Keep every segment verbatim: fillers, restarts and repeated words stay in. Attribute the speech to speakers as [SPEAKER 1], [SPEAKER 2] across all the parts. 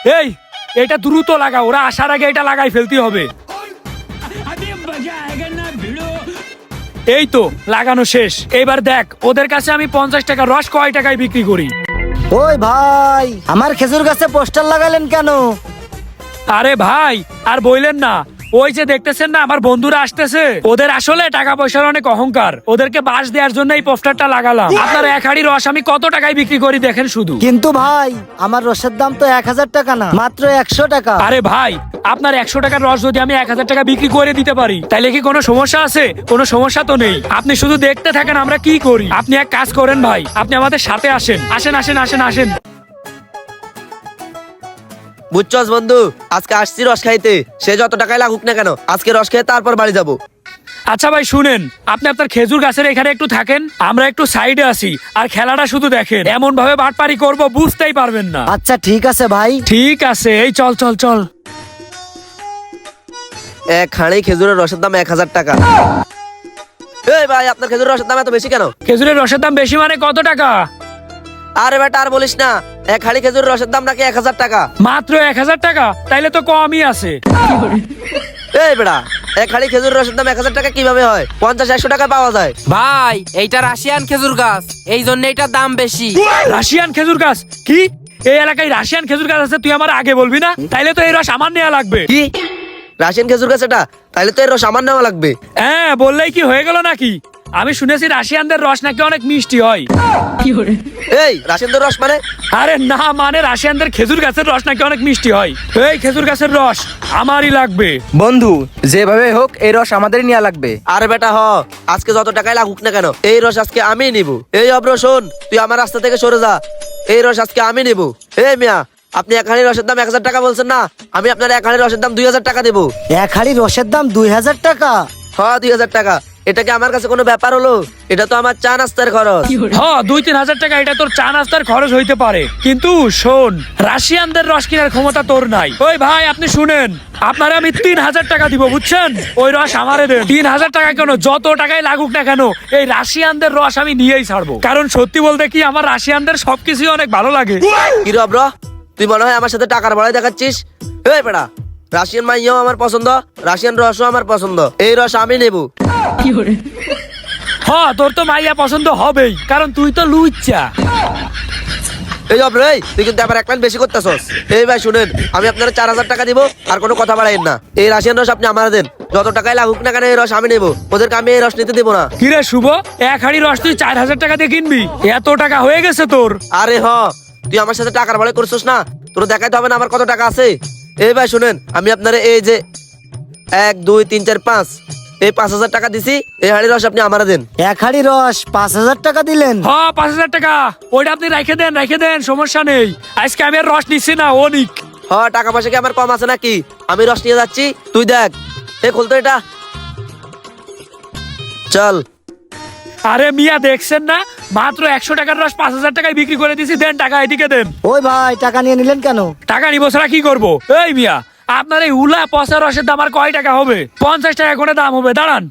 [SPEAKER 1] এই এটা দ্রুত লাগা, ওরা আসার আগে এটা লাগাই ফেলতে হবে। এই তো লাগানো শেষ। এবার দেখ ওদের কাছে আমি পঞ্চাশ টাকা রস কয় টাকায় বিক্রি করি।
[SPEAKER 2] ওই ভাই, আমার খেজুর গাছে পোস্টার লাগালেন কেন?
[SPEAKER 1] আরে ভাই আর বইলেন না, ওই যে দেখতেছেন না আমার বন্ধুরা আসতেছে, ওদের আসলে টাকা পয়সার অনেক অহংকার, ওদেরকে বাস দেওয়ার জন্য এই পোস্টারটা লাগালাম। আপনার এক হাড়ি রস আমি কত টাকায় বিক্রি করি দেখেন শুধু।
[SPEAKER 2] কিন্তু ভাই আমার রসের দাম তো এক হাজার টাকা না, মাত্র একশো টাকা।
[SPEAKER 1] আরে ভাই আপনার একশো টাকার রস যদি আমি এক হাজার টাকা বিক্রি করে দিতে পারি তাহলে কি কোনো সমস্যা আছে? কোনো সমস্যা তো নেই। আপনি শুধু দেখতে থাকেন আমরা কি করি। আপনি এক কাজ করেন ভাই, আপনি আমাদের সাথে আসেন। আসেন আসেন আসেন আসেন।
[SPEAKER 3] বুঝছস বন্ধু, আজকে আসছি রস খাইতে, সে যত টাকায় লাগুক না কেন আজকে রস খেয়ে তারপর বাড়ি যাবো।
[SPEAKER 1] আচ্ছা ভাই শুনেন, আপনি আপনার খেজুর গাছের এখানে একটু থাকেন, আমরা একটু সাইডে আসি আর খেলাটা শুধু দেখেন। এমন ভাবে বাটপারি করব বুঝতেই পারবেন না।
[SPEAKER 2] আচ্ছা ঠিক আছে ভাই।
[SPEAKER 1] ঠিক আছে, এই চল চল চল।
[SPEAKER 3] এক হাঁড়ি খেজুরের রসের দাম এক হাজার টাকা। এই ভাই আপনার খেজুরের রসের দাম এত বেশি কেন?
[SPEAKER 1] খেজুরের রসের দাম বেশি মানে কত টাকা?
[SPEAKER 3] আরে বেটা আর বলিস না, এক হাঁড়ি খেজুরের রসের দাম নাকি এক হাজার টাকা।
[SPEAKER 1] মাত্র এক হাজার টাকা? তাইলে তো কমই আছে।
[SPEAKER 3] এই বেটা এক হাঁড়ি খেজুরের রসের দাম এক হাজার টাকা কিভাবে হয়? পঞ্চাশ একশো টাকা পাওয়া যায়।
[SPEAKER 4] ভাই এইটা রাশিয়ান খেজুর গাছ, এই জন্য এটার দাম বেশি।
[SPEAKER 1] রাশিয়ান খেজুর গাছ? কি এই এলাকায় রাশিয়ান খেজুর গাছ আছে? তুই আমার আগে বলবি না? তাইলে তো এই রস আমার নেওয়া লাগবে।
[SPEAKER 3] কি রাশিয়ান খেজুর গাছ এটা? তাইলে তো এর রস আমার নেওয়া লাগবে।
[SPEAKER 1] হ্যাঁ বললেই কি হয়ে গেল নাকি? আমি শুনেছি রাশিয়ানদের রস নাকি অনেক মিষ্টি হয়।
[SPEAKER 3] এই রাশিয়ানদের রস মানে?
[SPEAKER 1] আরে না, মানে রাশিয়ানদের খেজুর গাছের রস নাকি অনেক মিষ্টি হয়। এই খেজুর গাছের রস আমারই লাগবে।
[SPEAKER 5] বন্ধু যেভাবে হোক এই রস আমাদেরই নেওয়া লাগবে।
[SPEAKER 3] আরে বেটা হ, আজকে যত টাকায় লাগুক না কেন এই রস আজকে আমি নিব। এই অব্র শোন, তুই আমার রাস্তা থেকে সরে যা, এই রস আজকে আমি নিব। এই মিয়া আপনি এক হাঁড়ি রসের দাম এক হাজার টাকা বলছেন না, আমি আপনার এক হাঁড়ি রসের দাম দুই হাজার টাকা দেবো।
[SPEAKER 2] এক হাড়ি রসের দাম দুই হাজার টাকা?
[SPEAKER 3] হ্যাঁ দুই হাজার টাকা। এটা কি আমার কাছে কোনো ব্যাপার হলো? এটা তো আমার চা নাস্তার খরচ।
[SPEAKER 1] হ্যাঁ দুই তিন হাজার টাকা এটা তোর চা নাস্তার খরচ হইতে পারে, কিন্তু শোন রাশিয়ানদের রস কেনার ক্ষমতা তোর নাই। ওই ভাই আপনি শুনেন, আপনারা আমি তিন হাজার টাকা দিব বুঝছেন? ওই রস আমারে দেন। তিন হাজার টাকা কেন, যত টাকায় লাগুক না কেন এই রাশিয়ানদের রস আমি নিয়েই ছাড়বো। কারণ সত্যি বলতে কি আমার রাশিয়ানদের সবকিছুই অনেক ভালো লাগে।
[SPEAKER 3] কি রে অব্র, তুই মনে হয় আমার সাথে টাকার বড়াই দেখাচ্ছিস? এই বেটা রাশিয়ান মাইয়াও আমার পছন্দ, রাশিয়ান রসও আমার পছন্দ, এই রস আমি নেব।
[SPEAKER 1] হ্যাঁ তোর তো মাইয়া পছন্দ হবেই, কারণ তুই তো লুচ্চা।
[SPEAKER 3] এই অব্র এই তুই কিন্তু আবার এক লাইন বেশি করতেছস। এই ভাই শুনেন, আমি আপনার চার হাজার টাকা দিব, আর কোনো কথা বাড়াইন না। এই রাশিয়ান রস আপনি আমার দেন, যত টাকায় লাগুক না কেন এই রস আমি নেব, ওদেরকে আমি এই রস নিতে দেবো না।
[SPEAKER 1] কিরে শুভ, এক হাড়ি রস তুই চার হাজার টাকা দিয়ে কিনবি? এত টাকা হয়ে গেছে তোর?
[SPEAKER 3] আরে হ, তুই আমার সাথে টাকার বড়াই করছিস না, তোর দেখাইতে হবে না আমার কত টাকা আছে। এই ভাই শুনেন, আমি আপনার এই যে এক দুই তিন চার পাঁচ এই পাঁচ হাজার টাকা দিছি, এই হাড়ি রস আপনি আমার দেন।
[SPEAKER 2] এক হাড়ি রস পাঁচ হাজার টাকা দিলেন?
[SPEAKER 1] হ্যাঁ পাঁচ হাজার টাকা, ওইটা আপনি রেখে দেন রেখে দেন, সমস্যা নেই। আজকে আমি আর রস নিচ্ছি না, ও নিক।
[SPEAKER 3] হ টাকা পয়সা কি আমার কম আছে নাকি? আমি রস নিয়ে যাচ্ছি, তুই দেখ। এ খুলতো এটা, চল।
[SPEAKER 1] আরে মিয়া দেখছেন না, মাত্র একশো টাকার রস পাঁচ হাজার টাকায় বিক্রি করে দিছি। দেন টাকা, এদিকে দেন।
[SPEAKER 2] ওই ভাই টাকা নিয়ে নিলেন কেন?
[SPEAKER 1] টাকা নিবো ছাড়া কি করবো? এই মিয়া আপনার এই উলা পচা রসের দাম আর কয় টাকা হবে? পঞ্চাশ টাকা করে দাম হবে, দাঁড়ান।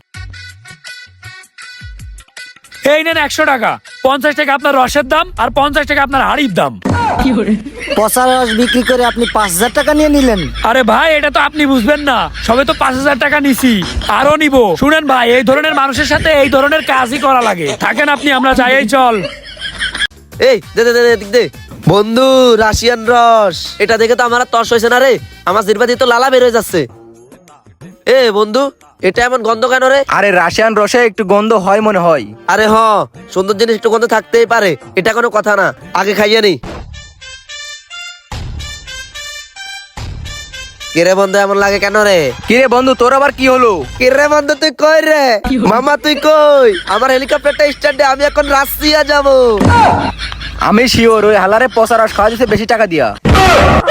[SPEAKER 1] এই নেন একশো টাকা, পঞ্চাশ টাকা আপনার রসের দাম আর পঞ্চাশ টাকা আপনার হাড়ির দাম।
[SPEAKER 2] পচা রস বিক্রি করে আপনি পাঁচ হাজার টাকা নিয়ে নিলেন?
[SPEAKER 1] আরে ভাই এটা তো আপনি বুঝবেন না, সবে তো পাঁচ হাজার টাকা নিছি, আরো নিব। শুনেন ভাই, এই ধরনের মানুষের সাথে এই ধরনের কাজই করা লাগে। থাকেন আপনি, আমরা যাই। এই চল।
[SPEAKER 3] এই দে দে দে দে, এদিক দে। বন্ধু রাশিয়ান রস, এটা দেখে তো আমার আর তর্স হয়েছে না রে, আমার জিহ্বা দিয়ে তো লালা বের হয়ে যাচ্ছে। এ বন্ধু এটা এমন গন্ধ কেন রে?
[SPEAKER 5] আরে রাশিয়ান রসে একটু গন্ধ হয় মনে হয়।
[SPEAKER 3] আরে হ, সুন্দর জিনিস একটু গন্ধ থাকতেই পারে, এটা কোনো কথা না, আগে খাইয়ে নি। কিরে বন্ধু এমন লাগে কেন রে?
[SPEAKER 5] কিরে বন্ধু তোর আবার কি হলো?
[SPEAKER 3] কিরে বন্ধু তুই কই রে? মামা তুই কই? আমার হেলিকপ্টারটা স্ট্যান্ডে, আমি এখন রাশিয়া যাব।
[SPEAKER 5] আমি শিওর ওই হালারে পচা রস খাওয়া দিতে বেশি টাকা দিয়া।